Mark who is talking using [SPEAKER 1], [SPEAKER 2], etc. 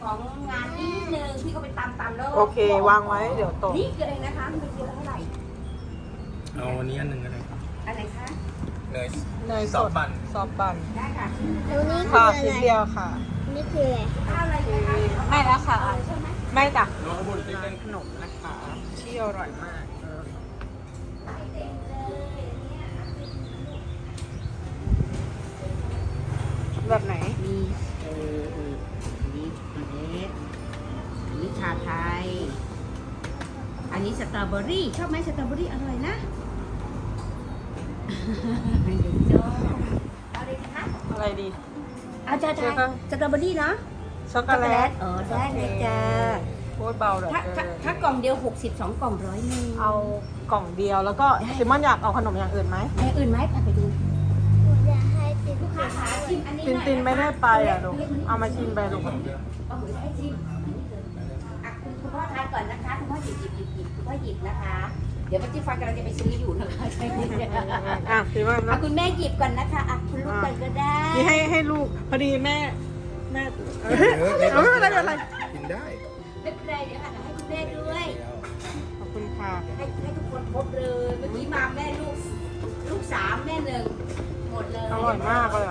[SPEAKER 1] ของงานนิดนึงพี่ก็ไปตามแล้ว
[SPEAKER 2] โอเควางไว้เดี๋ยวตก
[SPEAKER 1] นี่คืออะไรนะคะมันเป็นกิโลเท่าไหร่
[SPEAKER 3] เอาอันนี้อันหนึ่งก็ได้ครับ
[SPEAKER 1] อะไรคะ
[SPEAKER 3] เนย
[SPEAKER 2] เนยส
[SPEAKER 3] ซอ
[SPEAKER 2] ด
[SPEAKER 3] ฟบัน
[SPEAKER 2] ซอฟบัน
[SPEAKER 1] ได้ค่ะ
[SPEAKER 4] แล้วนี่คือ
[SPEAKER 2] ค่ะ
[SPEAKER 4] อะไร
[SPEAKER 2] ชิ้นเดียวค่ะ
[SPEAKER 4] นี่คืออะไร
[SPEAKER 1] ข้าวอะไรคะ
[SPEAKER 2] ไม่แล้วค่ะ
[SPEAKER 1] ใช่ไหม
[SPEAKER 2] ไม่จ้ะ
[SPEAKER 3] น้องขบุญติ๊ก
[SPEAKER 2] ร้านขนมนะคะที่อร่อยมากแบบไหน
[SPEAKER 1] มีนี่อันนี้ชาไทย อันนี้สตรอเบอรี่ชอบไหมสตรอเบอรี่อร่อยนะเดี๋ยวเอาเลยนะคะ
[SPEAKER 2] อะไรดี
[SPEAKER 1] เอาจ้าจ้าสตรอเบอรี่เนาะ
[SPEAKER 2] ช็อกโกแลต
[SPEAKER 1] ได้เลยจ้า
[SPEAKER 2] โคตรเบาเลย
[SPEAKER 1] ถ้ากล่องเดียว62กล่อง100
[SPEAKER 2] เอากล่องเดียวแล้วก็ซิมอนอยากเอาขนมอย่างอื่นไหม
[SPEAKER 1] อย่างอื่นไหมไปดู
[SPEAKER 4] หนูจะให้ติด
[SPEAKER 1] ลูกค้าขาชิมอันนี้
[SPEAKER 2] ตินไม่ได้ไปอ่ะลูกเอามาชิมไปลูก
[SPEAKER 1] เอาหมูให้ชิมอ่ะคุณพ่อทานก่อนนะคะคุณพ่อหยิบคุณพ่อหยิบนะคะ เดี๋ยวป้าจิ๊บฟันกำลังจะไปซื้ออยู่นะคะใช่ไหม
[SPEAKER 2] อ่ะซิมอน
[SPEAKER 1] อ่ะ
[SPEAKER 2] นะ
[SPEAKER 1] คุณแม่หยิบก่อนนะคะอ่ะคุณลูกก่อนก็ได้
[SPEAKER 2] นี่ให้ลูกพอดีแม่ไม่เป็นไรไม่เป็นไร
[SPEAKER 3] กินได้
[SPEAKER 1] ไม่เป็นไรเดี๋ยวค่ะให้คุณแม่ด้วย
[SPEAKER 2] ขอบคุณค่ะ
[SPEAKER 1] ให้ทุกคนครบเลยเมื่อกี้มาแม่ลูก3แม่1หมดเลย
[SPEAKER 2] อร่อยมากเลย